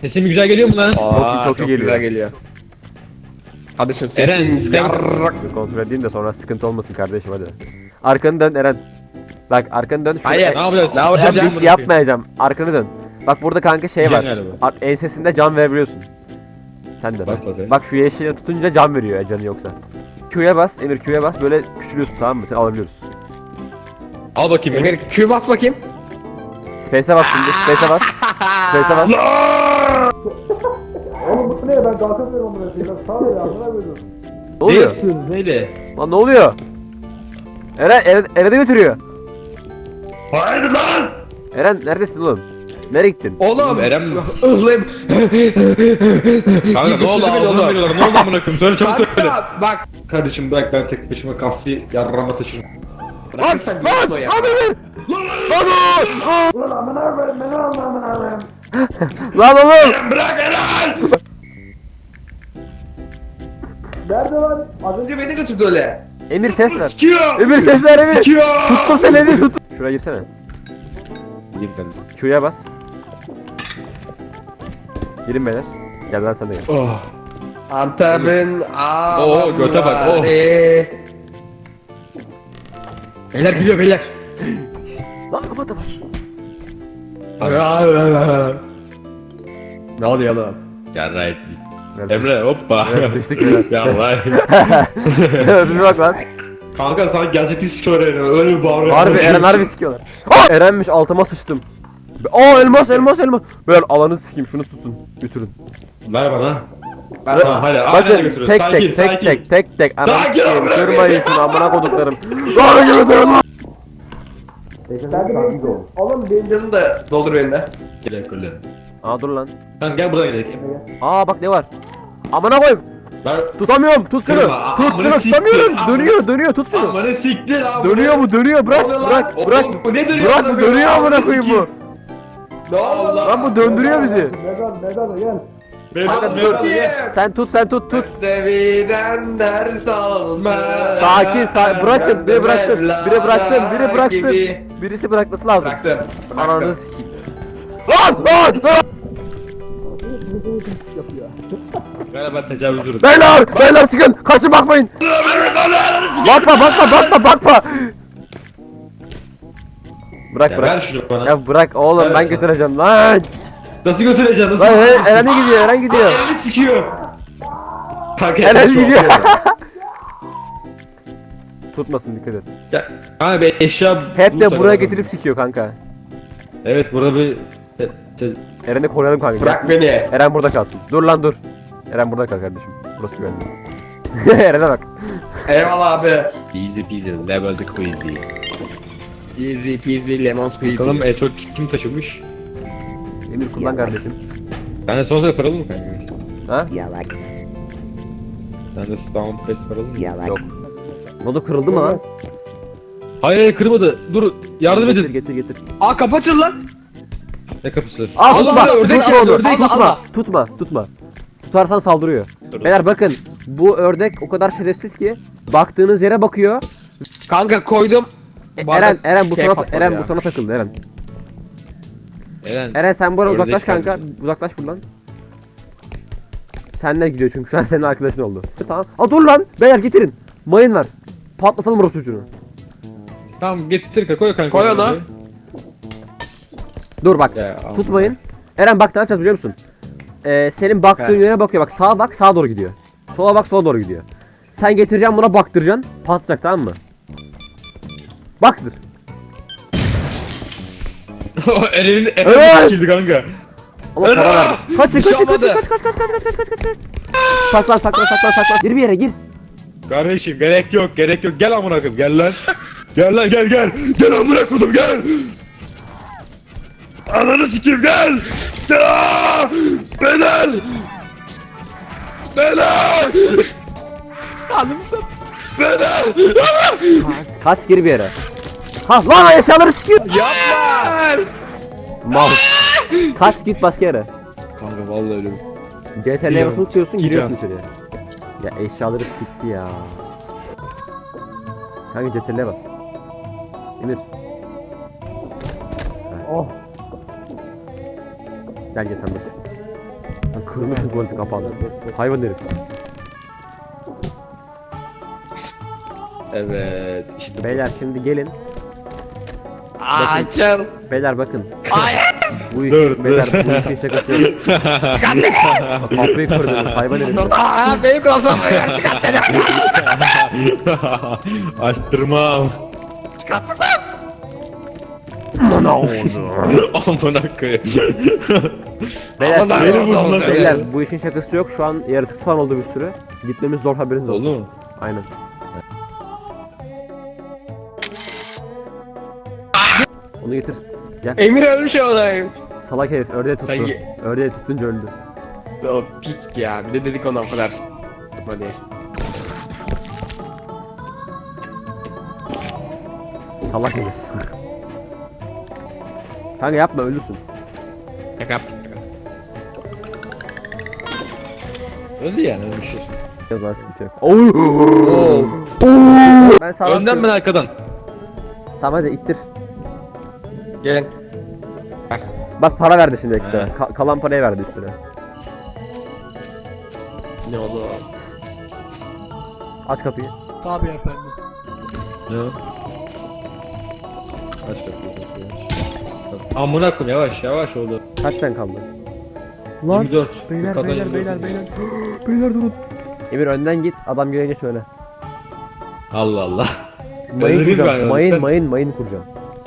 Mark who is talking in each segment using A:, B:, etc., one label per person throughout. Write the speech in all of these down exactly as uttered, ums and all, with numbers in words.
A: Sesim güzel geliyor mu lan?
B: Aa,
C: çok iyi
B: çok
C: geliyor.
B: güzel geliyor. Kardeşim
A: Eren,
B: sesin
A: sen-
B: yarrak.
C: Bir kontrol edeyim de sonra sıkıntı olmasın kardeşim hadi. Arkanı dön Eren. Bak arkanı dön. Şurada-
B: Hayır.
A: Ne yapacağız?
B: Ne yapacağız?
C: Ben bir şey yapmayacağım. Arkanı dön. Bak burada kanka şey var.
A: Galiba.
C: Ar- ensesinde can verebiliyorsun. Sen de
A: Bak
C: bak.
A: bakayım.
C: Bak şu yeşile tutunca can veriyor ya canı yoksa. Q'ya bas, Emir Q'ya bas böyle küçülüyorsun tamam mı? Seni alabiliyoruz.
A: Al bakayım beni.
B: Emir Q bas bakayım.
C: Space'e bas şimdi, Space'e bas. Space'e bas.
D: Oğlum bu ne? Ben kalkamıyorum buraya. Biraz sağ ol ya. Buna koydum.
C: Ne oluyor?
A: yapıyorsun neyle?
C: Lan ne oluyor? Eren, Eren, Eren'e götürüyor.
A: Hayır lan!
C: Eren neredesin oğlum? Nereye gittin?
B: Oğlum.
A: Eren mi?
B: Ihlayım.
A: Kanka ne oldu?
B: Götürdü beni
A: Ağzına
B: oğlum.
A: veriyorlar. Ne oldu amına koyayım? Söyle çabuk söyle.
B: Kanka bak.
A: Kardeşim bırak ben tek başıma kahve yarrama taşırım.
B: Bırakırsan
C: Lan!
B: ya.
C: Abi Emir! Lan oğlum!
D: Ulan amına koyayım. Beni alma amına koyayım.
C: Lan oğlum!
A: Bırak Eren!
D: Nerede lan?
B: Az önce beni götürdü öyle.
C: Emir ses ver.
A: Sikiyor!
C: Emir ses ver Emir!
A: Sikiyor!
C: Tuttum seni Emir tut. Şuraya girsene.
A: Gir kardeşim.
C: Q'ya bas. Girin beyler. Gel lan sen de gel.
A: Oh.
B: Antep'in
A: Oo, göte bak, oh.
B: Beyler gidiyor beyler.
C: Lan kapat kapat.
B: Ne oluyor lan?
A: Ya right. Emre hoppa.
C: Evet, sıçtık ya.
A: Ya right.
C: Bir bak lan.
A: Kanka sana gerçekten sikiyor Eren. Öyle bir bağırıyor.
C: Harbi Eren harbi sikiyorlar. Aa! Erenmiş altıma sıçtım. Aa elmas elmas elmas. Böyle alanı sikeyim şunu tutun. Götürün.
A: Ver bana.
B: Ben
A: Tamam hadi. Aynen
C: Bakın
A: götürüyoruz.
C: tek
A: Sakin,
C: tek tek
A: sakin.
C: tek tek tek. Anam
A: Sakin ol,
C: sikeyim.
A: bırak
C: Kırmayın şunu amına koduklarım. Lan götürün lan.
B: Oğlum benim canım da doldur beni de.
A: Gel öyle.
C: Aa dur lan.
A: Sen gel buradan gidelim.
C: Aa bak ne var. Amına koyayım.
A: Ben
C: Tutamıyorum. Tut şunu.
A: Kırma,
C: Tut
A: amına
C: şunu
A: siktir,
C: tutamıyorum.
A: amına-
C: Dönüyor dönüyor tut şunu.
A: Amına siktir abi.
C: Dönüyor bu dönüyor bırak
B: oluyor lan?
C: bırak
A: Oğlum,
C: bırak.
A: bu ne dönüyor?
C: Bırak
A: amına
C: bu
A: koyayım?
C: dönüyor amına
A: Amına
C: koyayım bu.
A: sikeyim.
B: Ne oldu lan?
C: Lan bu döndürüyor bizi.
D: Neden? Neden? Gel.
A: Vedat,
C: Kanka,
A: Vedat.
C: dur. Sen tut sen tut tut.
B: Seviden ders alma.
C: Sakin sakin bırakın biri bıraksın biri bıraksın biri bıraksın.
B: Gibi.
C: Birisi bırakması lazım.
B: Bıraktım.
C: Ananı
B: Bıraktım.
C: sikeyim. Lan lan lan.
A: Galiba tecavüz ürün.
C: Beyler beyler çıkın kaçın bakmayın. Bakma bakma bakma bakma. Bırak
A: Ya ver
C: bırak.
A: şunu bana.
C: Ya bırak oğlum
A: Ver
C: ben
A: sana.
C: götüreceğim lan.
A: Nasıl götüreceksin? Nasıl?
C: Lan Eren, Eren'e gidiyor Eren gidiyor.
A: Eren'i sikiyor. Kanka
C: Eren
A: çok
C: gidiyor.
A: ya.
C: Tutmasın dikkat et.
A: Ya, kanka bir eşya
C: Hep de
A: bulursak
C: buraya
A: adam.
C: getirip sikiyor kanka.
A: Evet burada bir te- te-
C: Eren'i koruyalım kanka.
B: Bırak
C: gelsin.
B: beni.
C: Eren burada kalsın. Dur lan dur. Eren burada kal kardeşim. Burası güvenli. Eren'e bak.
B: Eyvallah abi.
A: easy peasy level the queasy.
B: Easy peasy lemon squeezy.
A: Bakalım en çok kim taşımış?
C: Emir kullan kardeşim.
A: Ben de sonra paralı mı kanka?
C: Ha?
A: Ben de stomp pet paralı mı?
C: Yok. Modu kırıldı mı lan?
A: Hayır hayır kırmadı. Dur yardım
C: Getir
A: edin.
C: getir getir.
B: Aa kapatın lan.
A: Ne kapısı?
C: Aa
B: Allah
C: tutma.
B: Allah, ördek
C: Tutma
B: al,
C: onu.
B: ördek al,
C: Tutma.
B: al.
C: Tutma. Tutma. Tutarsan saldırıyor.
A: Dur.
C: Beyler bakın. Bu ördek o kadar şerefsiz ki baktığınız yere bakıyor.
B: Kanka koydum.
C: E,
B: Bu arada
C: Eren Eren bu
B: şey
C: sana
B: patladı
C: Eren
B: ya.
C: bu sana takıldı Eren.
A: Eren.
C: Eren sen buradan
A: Ördek
C: uzaklaş kanka.
A: geldi.
C: Uzaklaş buradan. Senden gidiyor çünkü şu an senin arkadaşın oldu. Tamam. Aa dur lan. Beyler getirin. Mayın var. Patlatalım orası çocuğunu.
A: Tamam getir koy kanka.
B: Koy onu.
C: Dur bak.
A: Ya, Allah.
C: Tutmayın. Eren bak ne yapacağız biliyor musun? Ee, senin baktığın
B: He.
C: yöne bakıyor. Bak sağa bak sağa doğru gidiyor. Sola bak sola doğru gidiyor. Sen getireceksin buna baktıracaksın. Patlayacak tamam mı? Baktır.
A: Eren'in
C: Evet.
A: Eren'in sikildi kanka.
C: Ama
A: Eren!
C: para verdi. Kaç
B: Bir
C: kaç
B: şey
C: kaç kaç
B: olmadı.
C: kaç kaç kaç kaç kaç kaç kaç kaç. Saklan saklan saklan saklan. Gir bir yere gir.
A: Kardeşim gerek yok gerek yok gel amına koyayım gel lan. Gel lan gel gel. Gel amına koydum gel. Ananı sikeyim gel. Aa! Beyler. Beyler. Beyler.
C: Kaç gir bir yere. Ha lan eşyaları sikiyor.
A: Yapma.
C: Mal. Kaç git başka yere.
A: Kanka vallahi öyle.
C: C T L'ye
A: Gidiyorum.
C: basılı tutuyorsun giriyorsun
A: Gidiyorum.
C: içeriye. Ya eşyaları sikti ya. Hangi C T L'ye bas? Emir.
D: Oh.
C: Gel gel sen dur. Lan kırmışsın tuvaletin kapağını. Hayvan herif.
A: Evet. İşte
C: Beyler şimdi gelin.
B: Açım.
C: Beyler bakın.
B: Ay.
C: Bu iş,
A: Dur,
C: beyler
A: dur.
C: bu işin şakası yok. Kapıyı kırdınız hayvan herif.
B: Aa benim cross'um var. Çıkart beni.
A: Açtırmam.
B: Çıkart buradan.
C: Ana oldu.
A: Amına koyayım.
C: Beyler,
B: Aman
C: beyler,
B: Allah'ım, Allah'ım.
C: beyler bu işin şakası yok. Şu an yaratık falan oldu bir sürü. Gitmemiz zor haberiniz olsun.
A: Oldu mu?
C: Aynen. Onu getir. Gel.
B: Emir ölmüş olayım.
C: Salak herif ördeği tuttu.
B: Hayır.
C: Ördeği tutunca öldü.
B: O piç ya. Bir de dedik ona o kadar. Hadi.
C: Salak herif. Kanka yapma ölürsün.
B: Şaka yap.
A: Öldü yani öyle bir şey.
C: Biraz daha sıkıntı yok. Oo. Ben sağ
A: Önden ben arkadan.
C: Tamam hadi ittir.
B: Gelin.
C: Bak para verdi şimdi ekstra.
A: He.
C: Ka- kalan parayı verdi üstüne.
B: Ne oldu?
C: Aç kapıyı.
A: Ne o? Aç kapıyı. kapıyı aç. Amına koyayım yavaş yavaş oldu.
C: Kaç tane kaldı? Lan
A: yirmi dört.
C: beyler
A: Yukarıdan
C: beyler
A: yirmi
C: beyler
A: dört.
C: beyler. Beyler durun. Emir önden git adam gelince söyle.
A: Allah Allah.
C: Mayın
A: Öldünüz
C: kuracağım.
A: galiba,
C: Mayın
A: sen-
C: mayın mayın kuracağım.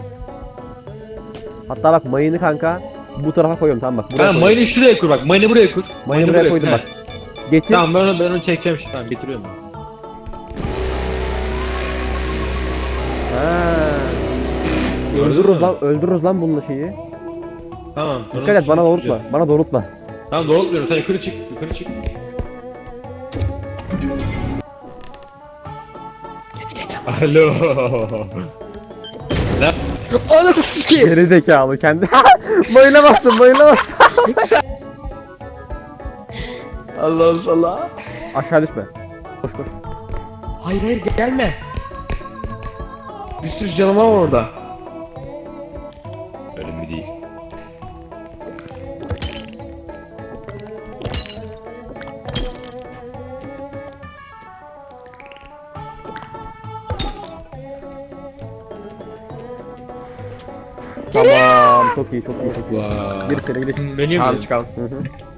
C: Hatta bak mayını kanka bu tarafa koyuyorum tamam bak. Buraya
A: Ben
C: koyuyorum.
A: mayını şuraya kur bak. Mayını buraya kur.
C: Mayını buraya koydum
A: he.
C: bak. Getir.
A: Tamam ben onu, ben onu çekeceğim şimdi. Tamam getiriyorum.
C: Ha.
A: Gördün
C: Öldürürüz
A: mü?
C: lan öldürürüz lan bununla şeyi.
A: Tamam.
C: Dikkat et bana doğrultma. Bana doğrultma.
A: Tamam doğrultmuyorum. Sen yukarı çık. Yukarı çık. Alo. Ne?
B: Anasını sikeyim.
C: Geri zekalı kendi. Mayına bastım mayına bastım.
B: Allah Allah.
C: Aşağı düşme. Koş koş.
B: Hayır hayır gelme. Bir sürü canavar var orada.
A: Önemli değil.
C: Tamam çok iyi çok iyi çok iyi.
A: Vay.
C: Gir içeri gir içeri.
A: Menü
B: Tamam
A: mü?
B: çıkalım.
C: Hı hı.